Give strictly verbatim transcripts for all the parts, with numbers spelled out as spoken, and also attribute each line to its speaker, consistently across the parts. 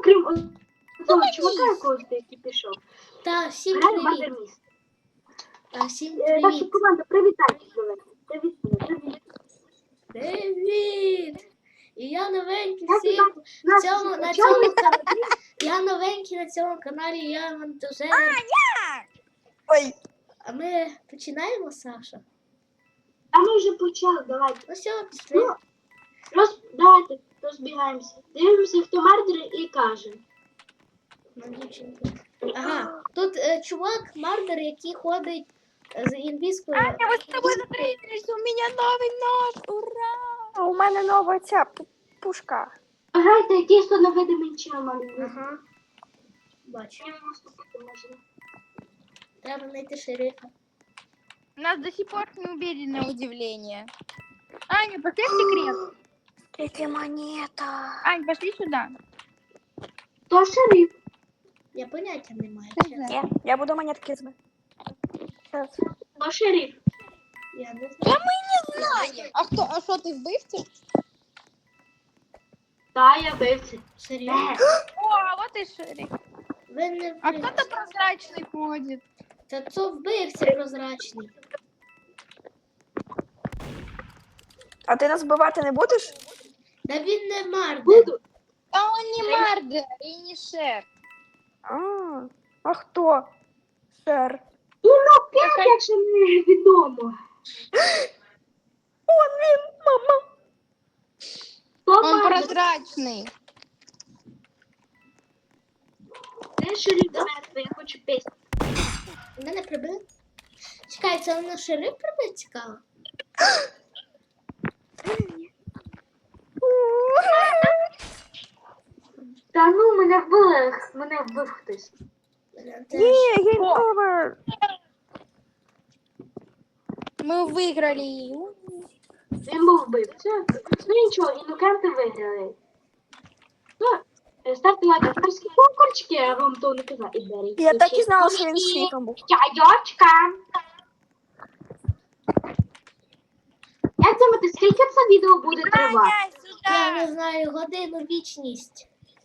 Speaker 1: окрім цього чувака, якого який пішов.
Speaker 2: Та, всім
Speaker 1: Грає
Speaker 2: привіт.
Speaker 1: Бандерміст.
Speaker 2: Та, всім
Speaker 1: Е, Так що,
Speaker 2: привіт.
Speaker 1: команда, привітайтесь, давайте. Привіт, привіт.
Speaker 2: Привіт! І я новенький
Speaker 1: Як
Speaker 2: всім
Speaker 1: ви нас
Speaker 2: цьому, на
Speaker 1: почали?
Speaker 2: цьому каналі. Я новенький на цьому каналі, я монтажер.
Speaker 3: Ой,
Speaker 2: А ми починаємо, Саша?
Speaker 1: А ми вже почали, давайте.
Speaker 2: Ну все, пішли.
Speaker 1: Ну, роз... давайте розбігаємося. Дивимося, хто мардер і каже.
Speaker 2: Ну, дівчинка. Ага, тут е, чувак, мардер, який ходить е, з інвізкою.
Speaker 3: Аня, мы с тобой встретились, у меня новый нож, ура! У мене нова ця пу- пушка.
Speaker 1: Грайте якийсь то невидимий чел мардер.
Speaker 2: Ага. Бачу.
Speaker 1: Я йому ступити можна.
Speaker 2: Треба знайти шерифа.
Speaker 4: Нас до сих пор не убили на удивление. Аня, пошли в секрет.
Speaker 3: Третя монета.
Speaker 4: Ань, пошли сюда.
Speaker 1: То шериф.
Speaker 2: Я поняття не маю.
Speaker 4: Хз.
Speaker 2: чесно.
Speaker 3: Ні, я буду монетки збити. Щас.
Speaker 1: То шериф.
Speaker 2: Я не знаю.
Speaker 4: Аня, а кто? А что ты вбивця?
Speaker 1: Та, я бивці.
Speaker 2: Серйозно?
Speaker 4: О, а вот и шериф.
Speaker 2: Ви не
Speaker 4: А
Speaker 2: вбивця.
Speaker 4: кто-то прозрачный ходит.
Speaker 2: Та це вбивця прозрачний.
Speaker 3: А ти нас вбивати не будеш?
Speaker 2: Та він не мардер.
Speaker 1: Буду.
Speaker 4: А он не мардер и не шер.
Speaker 3: А, а хто? Шер.
Speaker 1: Ну, ну, п'ять, якщо не відомо.
Speaker 3: Он він, мама.
Speaker 1: То
Speaker 4: Он
Speaker 1: мардер.
Speaker 4: прозрачный.
Speaker 1: Де шериф мертвий, я хочу пісню.
Speaker 2: Мене прибили? Чекай, це на шериф прибив цікаво?
Speaker 1: Та ну, мене вбили, мене вбив хтось.
Speaker 2: Мене теж.
Speaker 3: Ні, гейм овер.
Speaker 4: Мы выиграли.
Speaker 1: Він був вбивця. Ну нічого, інокенти виграли. Ну, е, ставте лайк, авторські конкурсики, я вам то не казала. І беріть.
Speaker 3: Я так і
Speaker 1: ключі.
Speaker 3: знала, що він світом був.
Speaker 1: Чайочка. Як думаєте, скільки це відео буде тривати?
Speaker 4: Аня,
Speaker 2: Я
Speaker 4: сюда.
Speaker 2: не знаю, годину вічність.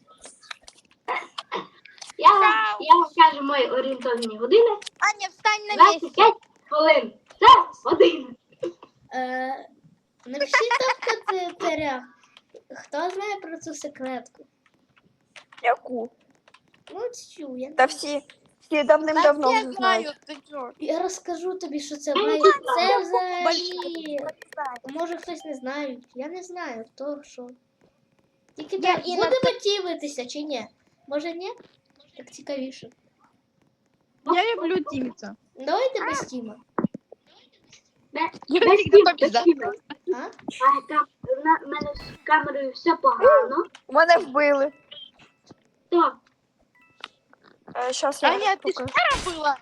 Speaker 1: Я, вам- я вам кажу мої орієнтовні години.
Speaker 4: Аня, встань на
Speaker 1: двадцять
Speaker 4: месте.
Speaker 1: п'ять хвилин. Це година.
Speaker 2: Е, напишіть там в коментарях, хто знає про цю секретку.
Speaker 3: Яку?
Speaker 2: Ну, цю, я,
Speaker 3: Та всі, всі давним-давно
Speaker 4: Да
Speaker 3: вже
Speaker 4: все
Speaker 3: знають.
Speaker 4: знают, ты чё?
Speaker 2: я розкажу тобі, що це
Speaker 1: Я не
Speaker 2: має.
Speaker 1: знаю.
Speaker 2: Це взагалі.
Speaker 3: Большой.
Speaker 2: Може хтось не знає. Я не знаю, то що. Тільки
Speaker 4: Я
Speaker 2: так,
Speaker 4: і на
Speaker 2: будемо тімитися чи ні? Може ні? Так цікавіше.
Speaker 4: Я люблю Тимица.
Speaker 2: Давайте без тіма.
Speaker 1: Бе-
Speaker 4: Я
Speaker 1: без
Speaker 4: всегда
Speaker 1: тім-
Speaker 4: побеждаю.
Speaker 1: без тіма.
Speaker 2: А?
Speaker 1: А там на в мене з камерою все погано.
Speaker 3: Мене вбили.
Speaker 1: То
Speaker 3: Е, Щас я
Speaker 4: Аня, ты
Speaker 3: покажу.
Speaker 4: шара была?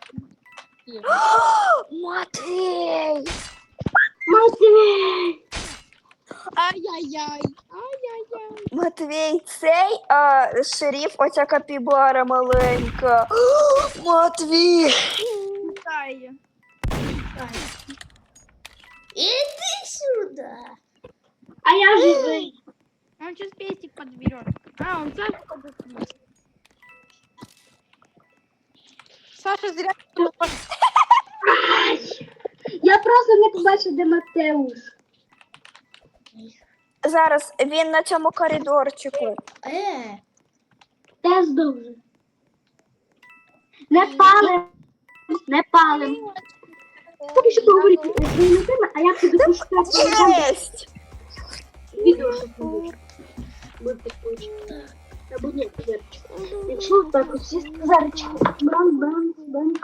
Speaker 3: Матвій!
Speaker 1: Матвій!
Speaker 4: Ай-яй-яй. Ай-яй-яй.
Speaker 3: Матвій, цей а, шериф, оця капібара маленька. Матвій!
Speaker 4: Ай.
Speaker 2: Ай. Іди сюди.
Speaker 1: А я живий.
Speaker 4: Он сейчас пестик подберет. А, он Сашу подберет. Саша зря.
Speaker 1: Ай! Я просто не побачив, де Матеуш.
Speaker 3: Зараз він на цьому коридорчику.
Speaker 2: Е,
Speaker 1: Теж дуже. Не палим. Не палим. Тобі що поговорити з своїми теми, а я тобі пошукати
Speaker 3: Єсть!
Speaker 1: відео, щоб не буде. Будьте спочатку. Або ні, Зарчик. Якщо так ось сісти Зарчик. Бран, бран, бран.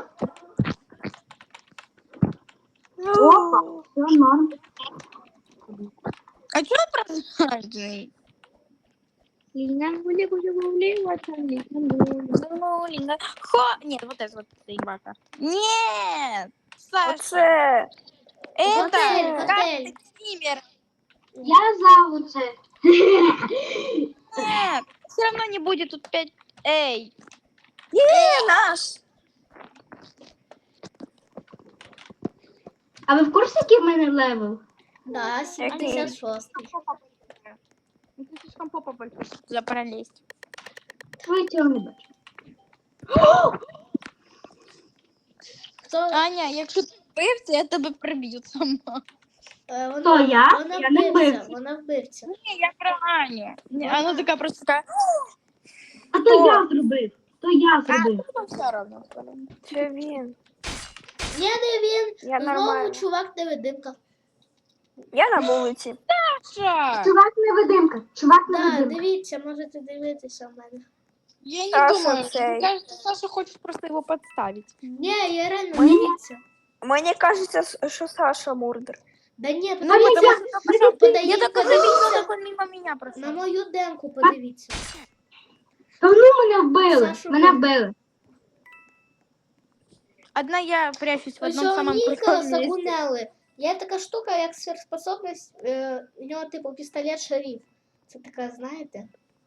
Speaker 1: Опа, все норм.
Speaker 4: А что прозрачный? Хо! Нет, вот это вот ебака. Нет! Саша!
Speaker 3: Оце!
Speaker 4: Это
Speaker 2: Готель,
Speaker 4: как
Speaker 2: готель.
Speaker 4: Тимер!
Speaker 1: Я за оце.
Speaker 4: Нет! Все равно не будет тут пять. Эй!
Speaker 3: Є, наш!
Speaker 1: А ви в курсі, який в мене левел?
Speaker 2: да, сімдесят шостий.
Speaker 4: Ну, ты слишком попа большой, чтобы туда пролезть.
Speaker 1: Твоє тіло не бачу.
Speaker 2: Хто,
Speaker 4: Аня, якщо ти вбивця, я тебе приб'ю сама.
Speaker 2: е, вона,
Speaker 1: То я?
Speaker 2: Вона
Speaker 1: Я не
Speaker 2: вбивця,
Speaker 1: вбивця.
Speaker 2: вона вбивця.
Speaker 4: Ні, я про Аню. Ні, Вона така просто така.
Speaker 1: А то я зробив. То я
Speaker 4: А,
Speaker 1: зробив.
Speaker 4: ну все одно.
Speaker 3: Це він.
Speaker 2: Ні, не він.
Speaker 3: Я
Speaker 2: Знову
Speaker 3: нормально.
Speaker 2: чувак невидимка.
Speaker 3: Я на вулиці.
Speaker 4: Саша!
Speaker 1: Чувак невидимка. Чувак
Speaker 2: Так,
Speaker 1: невидимка.
Speaker 2: дивіться, можете дивитися в мене.
Speaker 4: Я не
Speaker 3: Саша
Speaker 4: думаю,
Speaker 3: цей.
Speaker 4: мне кажется, Саша хочет просто его подставить.
Speaker 2: Ні, я реально
Speaker 3: Мені-
Speaker 2: дивіться.
Speaker 3: Мені кажеться, що Саша Мурдер.
Speaker 2: Да ні,
Speaker 1: Ну,
Speaker 2: подивіться,
Speaker 1: потому
Speaker 4: что
Speaker 2: подивіться, подає-
Speaker 4: Я только
Speaker 2: подивіться
Speaker 4: завидела, как он мимо меня
Speaker 2: на
Speaker 4: прошел.
Speaker 2: мою демку, подивіться.
Speaker 1: Та ну мене вбили.
Speaker 2: Сашу
Speaker 1: Мене
Speaker 2: вбили.
Speaker 1: вбили.
Speaker 4: Одна я прячусь в
Speaker 2: Ось
Speaker 4: одном
Speaker 2: у
Speaker 4: самом
Speaker 2: Ніка
Speaker 4: крутом месте.
Speaker 2: загунели. Є така штука, як сверхспособність, е, у нього типу пістолет шериф. Це така, знаєте?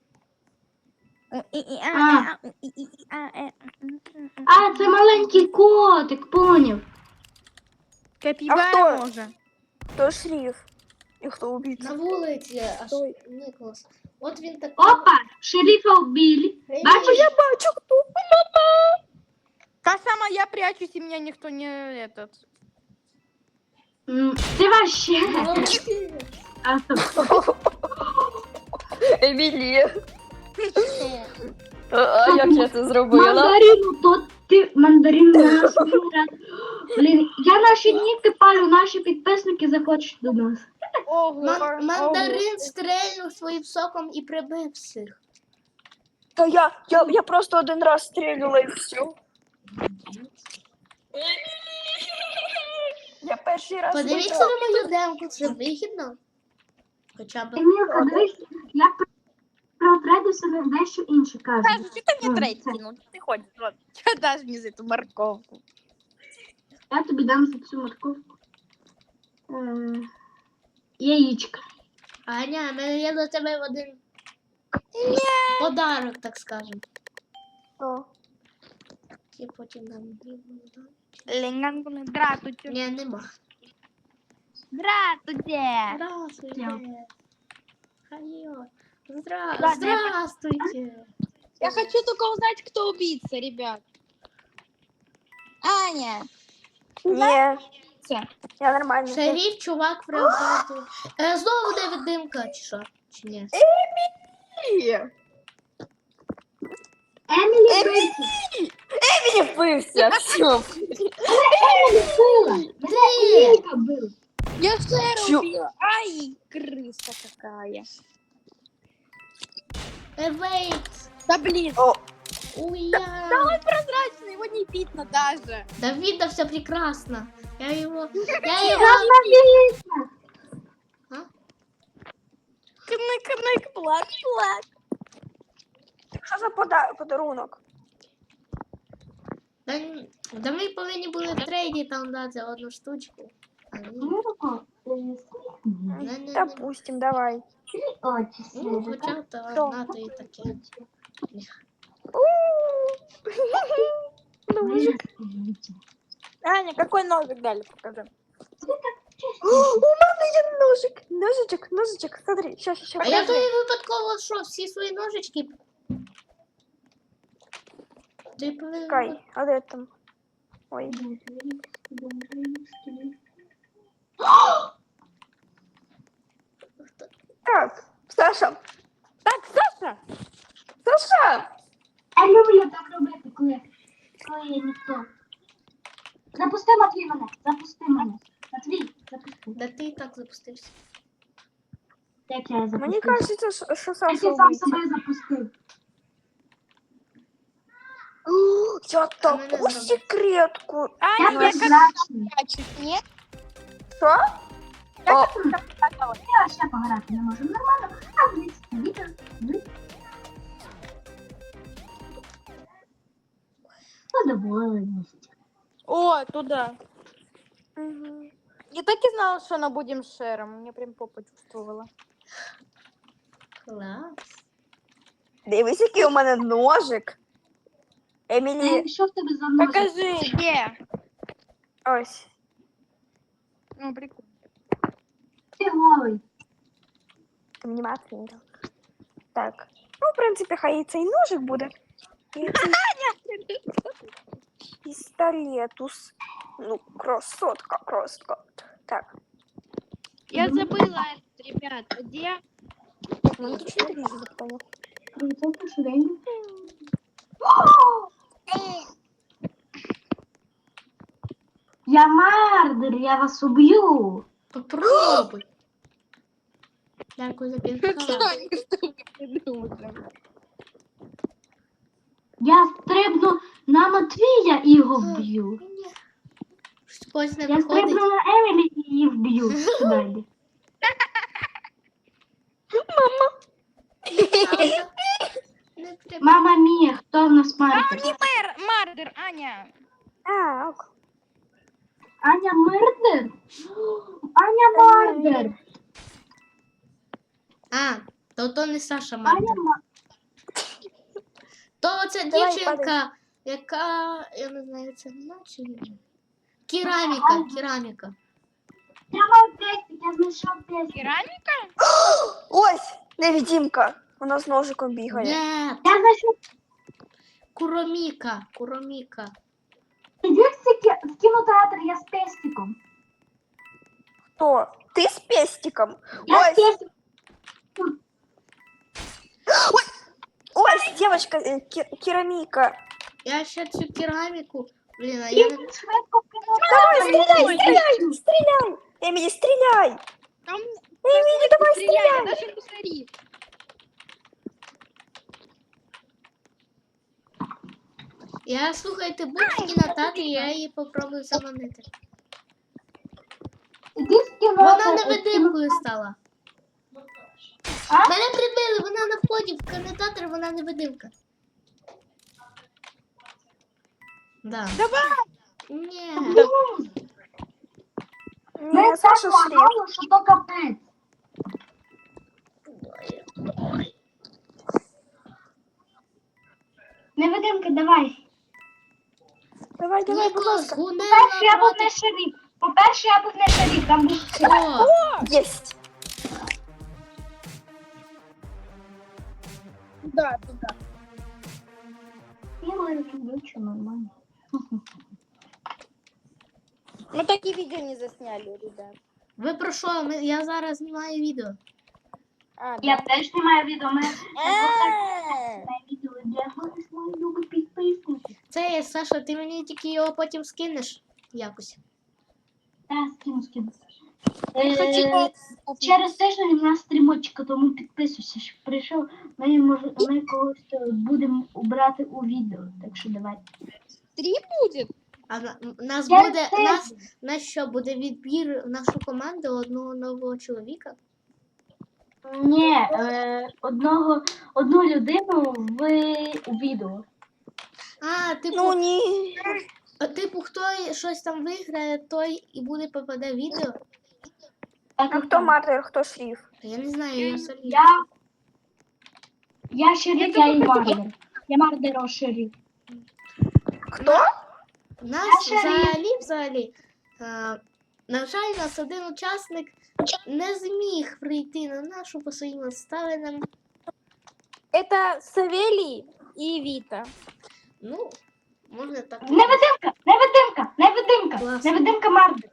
Speaker 1: А, це маленький котик, поняв.
Speaker 4: Капибара
Speaker 3: А кто?
Speaker 4: може.
Speaker 3: Хто шриф? І хто убийця?
Speaker 2: На вулиці аж
Speaker 3: Ой.
Speaker 2: Ніколас. От він такий.
Speaker 1: Опа, шерифа вбили.
Speaker 2: Привіт.
Speaker 1: Бачиш?
Speaker 3: Я бачу, хто.
Speaker 4: Та сама я прячусь, и меня никто не этот.
Speaker 1: М, Ти вообще.
Speaker 2: Молодці.
Speaker 1: А, стоп.
Speaker 3: Емілія. А як я це зробила?
Speaker 1: Мандарину, то ти мандарин нас. Блін, я наші ніки палю, наші підписники захочуть до нас.
Speaker 4: Ого,
Speaker 2: Ман- мандарин стрельнув своїм соком і прибив всіх.
Speaker 3: Та я, я, я просто один раз стрілюла і все. Я перший раз
Speaker 2: Подивіться
Speaker 3: виграла.
Speaker 2: на мою демку, це вигідно. Хоча б.
Speaker 1: Емілка, дивись, я про трейди собі дещо інше кажу.
Speaker 4: Саша, что ты мне
Speaker 1: Ну,
Speaker 4: трейд
Speaker 1: це.
Speaker 4: кинул? Ты ходишь, вот. Что дашь мне за эту морковку?
Speaker 1: Я тобі дам за цю морковку. Е, Яєчко.
Speaker 2: Аня, в мене є до тебе один подарок, так скажем.
Speaker 3: О,
Speaker 2: І потім нам дам.
Speaker 4: Ленгангуны, здравствуйте.
Speaker 2: Ні, нема.
Speaker 4: Здравствуйте.
Speaker 2: Здравствуйте.
Speaker 1: Дякую.
Speaker 2: Хайо. Здра...
Speaker 4: Ладно, я
Speaker 2: Здравствуйте.
Speaker 4: Я хочу только узнать, кто убийца, ребят. Аня.
Speaker 3: ні,
Speaker 4: Всё.
Speaker 3: я нормально.
Speaker 2: Шериф, чувак, в роботу. Е, знову невидимка, чи що? Чи ні?
Speaker 1: Емілі вбився.
Speaker 3: Емілі вбився, все.
Speaker 1: Емілі вбила. Мене Еміліка вбила.
Speaker 4: Я Сэра
Speaker 3: Чё?
Speaker 4: убила. Ай, крыса какая.
Speaker 2: Е, вейт.
Speaker 4: Да блин.
Speaker 3: О,
Speaker 2: Уя.
Speaker 4: Да он прозрачный, его не видно даже.
Speaker 2: Да видно все прекрасно. Я его... Я его...
Speaker 1: Красна міліція.
Speaker 4: Кнык, кнык, плак, плак.
Speaker 3: що за пода- подарунок?
Speaker 2: Да, н- да ми повинні були в трейді там дати одну штучку. А ні.
Speaker 1: Емілко,
Speaker 2: Не, не, не.
Speaker 3: Допустим, давай.
Speaker 1: очі
Speaker 2: Ну,
Speaker 1: свіжі.
Speaker 2: хоча б то
Speaker 3: Що?
Speaker 2: одна, то і таке.
Speaker 3: Ножик.
Speaker 4: Аня, какой ножик дали, покажи.
Speaker 3: У мене є ножик. Ножичок, ножичок, смотри, щас, щас,
Speaker 2: А
Speaker 3: щас.
Speaker 2: я тобі випадково що, всі свої ножички? Ти повинен...
Speaker 3: Чекай, а де там? Ой. Так, Саша,
Speaker 4: Так, Саша.
Speaker 3: Саша!
Speaker 1: Я люблю так робити, коли, коли є ніхто. Запусти, Матвій, мене. Запусти мене. Матвій, запусти.
Speaker 2: Да ти і так запустився.
Speaker 1: Як я запустив?
Speaker 3: Мені кажеться, що- що
Speaker 1: Як
Speaker 3: Саша
Speaker 1: я сам
Speaker 3: вбивця.
Speaker 1: себе запустив.
Speaker 3: О, я таку
Speaker 2: зробив.
Speaker 3: секретку.
Speaker 1: Я
Speaker 4: Аня, я как
Speaker 1: прозрачний.
Speaker 4: прячусь, нет?
Speaker 3: Що?
Speaker 4: Я
Speaker 3: О.
Speaker 4: как пряталась.
Speaker 1: Я ще пограти не можу. Нормально. А, дивіться, відео. Дивіться. Задоволеність.
Speaker 4: О, туда.
Speaker 3: Угу.
Speaker 4: Я так и знала, что она будем шером. Мне прям попа чувствовала.
Speaker 2: Клас.
Speaker 3: Дивись, який у мене ножик. Емілі,
Speaker 1: Е, Що в тебе за ножик?
Speaker 4: Покажи, где?
Speaker 3: ось.
Speaker 4: Ну, прикольно.
Speaker 1: Ти голий.
Speaker 3: Ти мені мати не дав. Так. Ну, в принципі, хай і цей ножик буде. І цей пістолетус. Ну, красотка, красотка. Так.
Speaker 4: Я забыла, ребят, где?
Speaker 3: Ну, нічого не вижу, я понял.
Speaker 1: Це швиденько. Я мардер, я вас уб'ю.
Speaker 2: Попробуй. Дякую за підказку.
Speaker 4: Таня, что вы придумали?
Speaker 1: Я стрибну на Матвія і його вб'ю.
Speaker 2: Ні. Щось не
Speaker 1: Я
Speaker 2: виходить.
Speaker 1: стрибну на Емілі і її вб'ю. Сюди йди.
Speaker 2: Не треба.
Speaker 1: Мама мія, хто в нас мардер?
Speaker 4: Мэр, Мардер, Аня.
Speaker 3: А, ок.
Speaker 1: Аня мардер? Аня мардер.
Speaker 2: А, то то не Саша
Speaker 1: Аня
Speaker 2: Мартин.
Speaker 1: мардер.
Speaker 2: То це
Speaker 3: Давай,
Speaker 2: дівчинка, яка, я не знаю, це вона чи ні? Кераміка, кераміка.
Speaker 1: Я мав тестик, я знайшов тестик.
Speaker 4: Керамика?
Speaker 3: Ось, невидимка. Вона з ножиком бігає.
Speaker 2: Ні,
Speaker 1: Я знайшов
Speaker 2: Куроміка, Куроміка.
Speaker 1: Іди в кінотеатр, я з тестиком.
Speaker 3: Хто? Ти з пестиком?
Speaker 1: Я з
Speaker 3: Ось,
Speaker 1: тестиком.
Speaker 3: ось, дівчинка, е, ке- кераміка.
Speaker 2: Я ще цю кераміку, блін, а я не...
Speaker 1: Швидко в
Speaker 3: Давай,
Speaker 1: кінотеатр.
Speaker 3: стріляй, стріляй, стріляй. Емілі, стріляй.
Speaker 4: Там
Speaker 3: Емілі, давай,
Speaker 4: стреляй,
Speaker 3: стріляй.
Speaker 4: даже не смотри.
Speaker 2: Я, слухайте, будь в кінотеатрі, я її попробую заманити.
Speaker 1: Іди в кінотеатр.
Speaker 2: Вона невидимкою стала.
Speaker 1: А?
Speaker 2: Мене прибили, вона на вході в кінотеатр, вона невидимка. Да.
Speaker 4: Давай.
Speaker 2: Ні.
Speaker 1: Ми
Speaker 3: Ні,
Speaker 1: так
Speaker 3: Саша шрифт.
Speaker 1: лагало, що то капець. Невидимки, давай.
Speaker 3: Давай, давай, будь
Speaker 2: Ніколас,
Speaker 3: ласка.
Speaker 2: гуне
Speaker 1: По-перше, я був
Speaker 2: напроти.
Speaker 1: не шериф. По-перше, я був не шериф, там був шериф.
Speaker 2: О,
Speaker 3: Єсть.
Speaker 4: Да, туда.
Speaker 1: Я люблю, що нормально.
Speaker 4: Мы такие видео не засняли, ребят.
Speaker 2: ви про що? Ми- Я зараз знімаю відео.
Speaker 4: А,
Speaker 1: Я теж знімаю відео, ми
Speaker 4: А.
Speaker 1: відео для вас, мої любі підписники.
Speaker 2: Це є, Саша, ти мені тільки його потім скинеш якось.
Speaker 1: Та, скину, скину.
Speaker 4: Я хочу
Speaker 1: Е,
Speaker 4: купить.
Speaker 1: Через тиждень у нас стрімочка, тому підписуйся, щоб прийшов. Ми, може, ми когось е, будемо брати у відео, так що давай.
Speaker 4: Три будет?
Speaker 2: А на, м- нас
Speaker 1: Я
Speaker 2: буде,
Speaker 1: теж.
Speaker 2: нас, нас що, буде відбір в нашу команду одного нового чоловіка?
Speaker 1: Ні, е, одного, одну людину в у відео.
Speaker 2: А, типу,
Speaker 3: Ну ні.
Speaker 2: а, типу, хто щось там виграє, той і буде попаде в відео.
Speaker 1: Так,
Speaker 3: А
Speaker 1: і
Speaker 3: хто
Speaker 1: так.
Speaker 3: мартир, хто шриф?
Speaker 2: Та я не знаю, я самі.
Speaker 1: Я, я шериф, я і мардер. Я мардер, шериф.
Speaker 3: Хто?
Speaker 2: Нас
Speaker 1: Я шериф.
Speaker 2: взагалі, взагалі, а, на жаль, нас один учасник не зміг прийти на нашу по своїм обставинам.
Speaker 4: Это Савелий и Вита.
Speaker 2: Ну, можна так.
Speaker 1: Невидимка, невидимка, невидимка,
Speaker 2: Клас.
Speaker 1: невидимка мардер.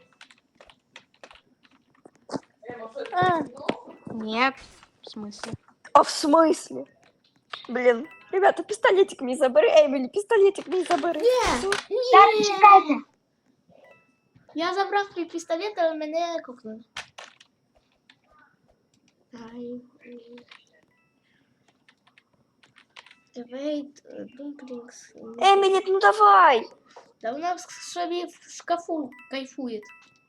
Speaker 4: А. Нет. В смысле?
Speaker 3: А в смысле? Блин. Ребята, пистолетик мій забери. Емілі, пістолетик мій забери.
Speaker 2: Ні,
Speaker 1: Так,
Speaker 2: ні.
Speaker 1: чекайте.
Speaker 2: Я забрав твій пістолет, але мене кокнули. Ай. Wait, dumplings.
Speaker 3: Емілі, ну давай.
Speaker 2: Да вона в собі в шкафу кайфує.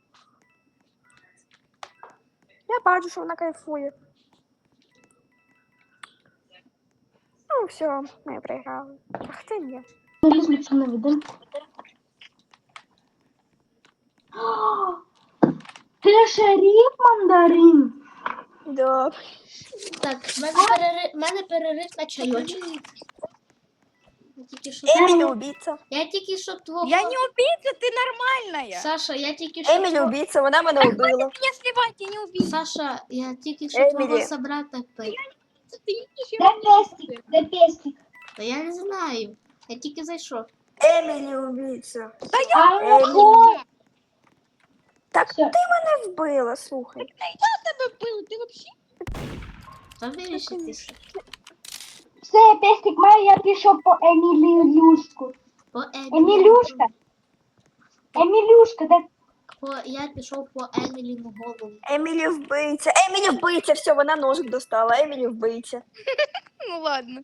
Speaker 3: Я бачу, що вона кайфує. Ну, все, ми проіграли. Ах ти ні.
Speaker 1: Візьму цю невидимку. О, ти шериф, мандарин?
Speaker 3: Да.
Speaker 2: Так, в мене перерив, в мене перерив на чайочок. Я тільки що,
Speaker 3: Емілі убійця.
Speaker 2: я тільки що твого...
Speaker 4: Я не убийца, ты нормальная.
Speaker 2: Саша, я тільки що...
Speaker 3: Емілі
Speaker 2: твого-
Speaker 3: убійця, вона мене убила.
Speaker 4: Меня сливать, я не убийца.
Speaker 2: Саша, я тільки що
Speaker 3: Емілі.
Speaker 2: твого собрата пи-
Speaker 4: Ты ищешь
Speaker 1: Де пестик? Де пестик?
Speaker 2: Та я не знаю. Я тільки зайшов.
Speaker 3: Емілі убійця.
Speaker 1: А,
Speaker 3: Емілі.
Speaker 1: о,
Speaker 3: Так
Speaker 1: Все.
Speaker 3: ти мене вбила, слухай.
Speaker 4: тебя был, ты вообще?
Speaker 2: Та вирішитися.
Speaker 1: Все, пестик має, я пішов по Емілюшку.
Speaker 2: По Емілі.
Speaker 1: Емілюшка. Емілюшка, де?
Speaker 2: По, я пішов по Еміліну голову.
Speaker 3: Емілі вбийця. Емілі вбийця, все, вона ножик достала. Емілі вбийця.
Speaker 4: Ну ладно.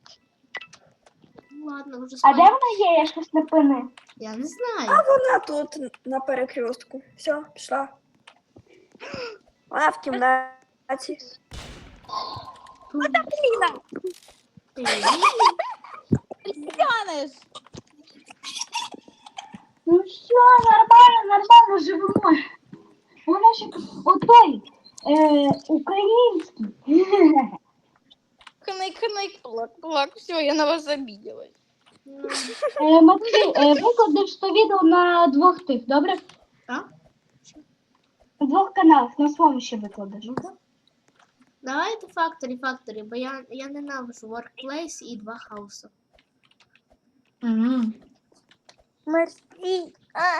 Speaker 2: Ну ладно, вже
Speaker 1: А де
Speaker 2: спать.
Speaker 1: вона є? Я щось не пини.
Speaker 2: Я не знаю.
Speaker 3: А вона тут на перекрестку. Все, пішла. Вона в кімнаті.
Speaker 4: Блин,
Speaker 2: Ти-
Speaker 4: ты тянешь.
Speaker 1: Ну все, нормально, нормально живемо. Вона ще отой е, український.
Speaker 4: Хнайк, хнайк, плак, плак. Все, я на вас обиделась.
Speaker 2: Ну,
Speaker 1: Е, Матвій, е, викладеш то відео на двох тих, добре?
Speaker 2: так?
Speaker 1: На двох каналах, на своєму ще викладеш.
Speaker 2: Ну, так. Давайте факторі, факторі, бо я, я ненавижу Workplace і два хаоса.
Speaker 1: Угу.
Speaker 3: Мерсі. А.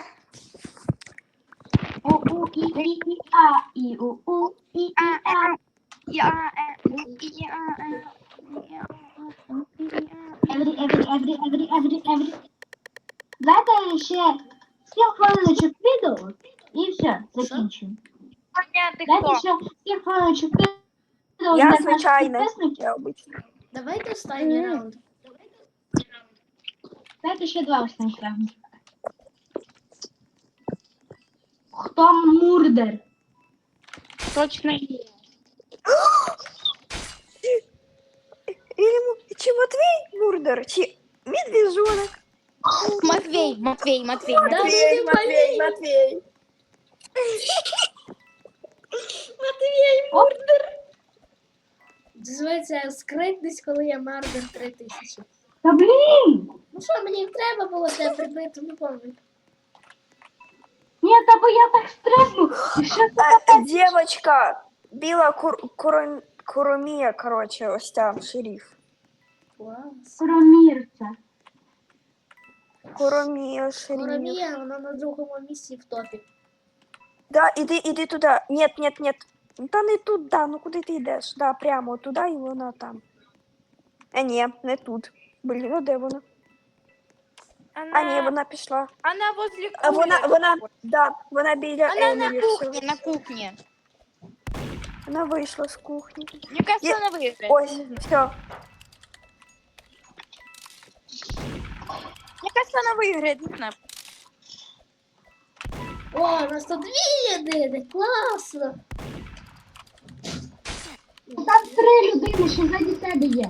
Speaker 1: У у і і і а і у у і і а.
Speaker 4: Я, я,
Speaker 1: Every, every, every, every, every, every. Давайте ще сім хвилиночок відео і все, закінчуємо.
Speaker 4: Аня, ты
Speaker 1: Дайте
Speaker 4: кто?
Speaker 1: ще сім хвилиночок відео
Speaker 3: Я
Speaker 1: для наших
Speaker 3: звичайна.
Speaker 1: підписників.
Speaker 3: Я обична.
Speaker 2: Давайте останній
Speaker 3: Мгм.
Speaker 2: раунд.
Speaker 1: Дайте ще два останніх раунди. Хто мурдер?
Speaker 4: Точно.
Speaker 3: Ілі- Чи Матвій Мурдер, чи Медвежонок?
Speaker 4: Матвей, Матвей, Матвей,
Speaker 2: Да,
Speaker 4: Матвей.
Speaker 2: ну,
Speaker 3: Матвій, Матвій.
Speaker 1: Оп,
Speaker 2: Називається скритність, коли я мардер три тисячі.
Speaker 1: та блін!
Speaker 2: Ну що, мені треба було тебе прибити, ну помню.
Speaker 1: Ні, та бо я так стрибну. І що це
Speaker 3: А, Дівочка, біла кур, куром, куромія, коротше, ось ця, шериф.
Speaker 2: Клас.
Speaker 1: кромірця?
Speaker 3: Куромія, шериф.
Speaker 2: Коромія, вона на другому місці в топі.
Speaker 3: Да, іди, іди туди. Нет, нет, нет. Та не туди, ну куди ти йдеш? Да, прямо туди і вона там. А ні, не тут. Блін, ну де вона?
Speaker 4: Она,
Speaker 3: А ні, вона пішла.
Speaker 4: она возле
Speaker 3: А вона,
Speaker 4: кулера.
Speaker 3: вона, да, вона біля
Speaker 4: Она на
Speaker 3: Емілі.
Speaker 4: кухне,
Speaker 3: все.
Speaker 4: на кухне.
Speaker 3: Вона вийшла з кухні.
Speaker 4: Мне кажется,
Speaker 3: Я-
Speaker 4: она выиграет.
Speaker 3: Ось, все.
Speaker 4: Мне кажется, она выиграет, не знаю.
Speaker 2: О, у нас тут дві єдини, класно.
Speaker 1: Там три людини, що ззаді тебе є.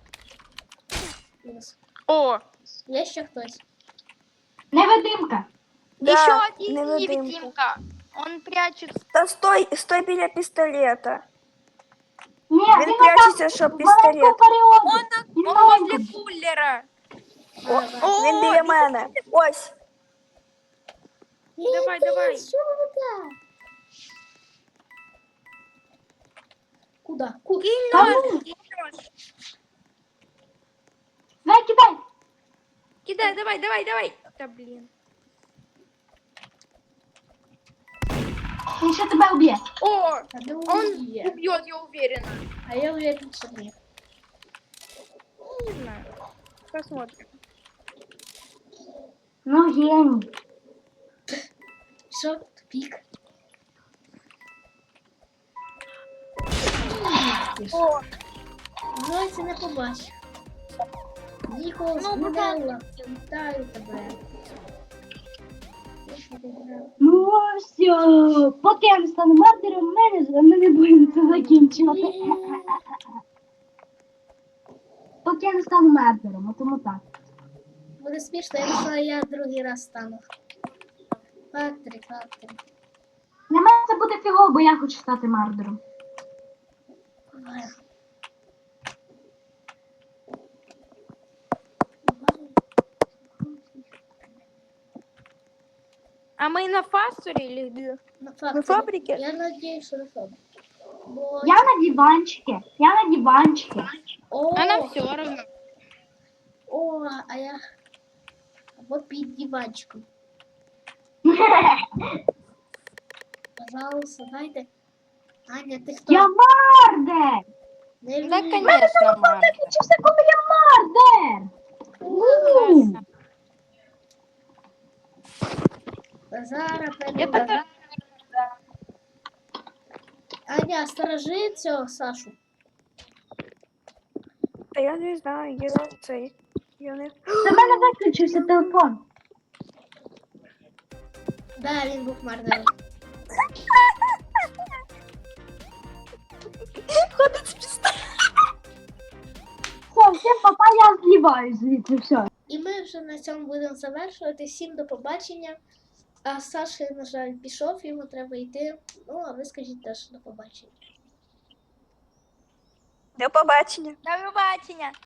Speaker 2: Клас.
Speaker 4: О,
Speaker 2: Є ще хтось?
Speaker 1: Невидимка.
Speaker 3: Да,
Speaker 4: еще один
Speaker 3: невидимка.
Speaker 4: невидимка. Он прячется.
Speaker 3: Та стой, стой біля пістолета.
Speaker 1: Ні,
Speaker 3: Він
Speaker 1: він
Speaker 3: прячеться, щоб
Speaker 1: в
Speaker 3: пістолет.
Speaker 1: маленькому періоді.
Speaker 4: Он,
Speaker 1: Він
Speaker 4: он
Speaker 1: маленький.
Speaker 4: возле кулера.
Speaker 3: О,
Speaker 4: О,
Speaker 3: він біля мене. Ось.
Speaker 4: Давай, давай.
Speaker 2: Що ви? Куда? Куда?
Speaker 1: Та
Speaker 4: Кинь,
Speaker 1: ну,
Speaker 4: Кинешь.
Speaker 1: давай, кидай.
Speaker 4: Кидай, давай, давай, давай. Да блин.
Speaker 1: Він ще тебе уб'є.
Speaker 4: О,
Speaker 2: А ну,
Speaker 4: он
Speaker 2: є.
Speaker 4: убьет, я уверена.
Speaker 2: А я уверен, що ні.
Speaker 4: Не знаю. Посмотрим.
Speaker 1: Ну, геній.
Speaker 2: Що? Тупік.
Speaker 4: О,
Speaker 2: Зойці не побачив. Ніколас,
Speaker 4: Ну,
Speaker 2: Нелла, вітаю тебе.
Speaker 1: Ну, все. Поки я не стану мардером, ми не, ми не будемо це закінчувати. Поки я не стану мардером, а тому так.
Speaker 2: Буде смішно, якщо я другий раз стану. Фактори, фактори.
Speaker 1: Для мене це буде фігово, бо я хочу стати мардером.
Speaker 4: а мы на фасуре или где?
Speaker 2: На
Speaker 3: На
Speaker 2: факторі.
Speaker 3: фабрике?
Speaker 2: Я надіюсь, що на фабриці. Бо...
Speaker 1: Я на диванчике. Я на диванчике.
Speaker 2: О,
Speaker 4: А нам все равно.
Speaker 2: о, а я... Або під диванчиком. Пожалуйста, дайте. Аня, ти хто?
Speaker 1: Я мардер!
Speaker 2: Не
Speaker 4: Да,
Speaker 2: вмію.
Speaker 4: конечно, Марк.
Speaker 1: Закінчився, коли я мардер! У!
Speaker 2: Зараз
Speaker 4: Я
Speaker 2: прийду.
Speaker 4: так...
Speaker 2: Аня, сторожи цього Сашу.
Speaker 3: Та я не знаю, є цей. Я не...
Speaker 1: Це в мене виключився телефон.
Speaker 2: Да, він був мардером.
Speaker 3: Ходить з пістолетом.
Speaker 1: Все, всім папа, я зліваю звідси, все.
Speaker 2: І ми вже на цьому будемо завершувати. Всім до побачення. А Саша, на жаль, пішов, йому треба йти. Ну, а ви скажіть теж до побачення.
Speaker 3: До побачення.
Speaker 4: До побачення.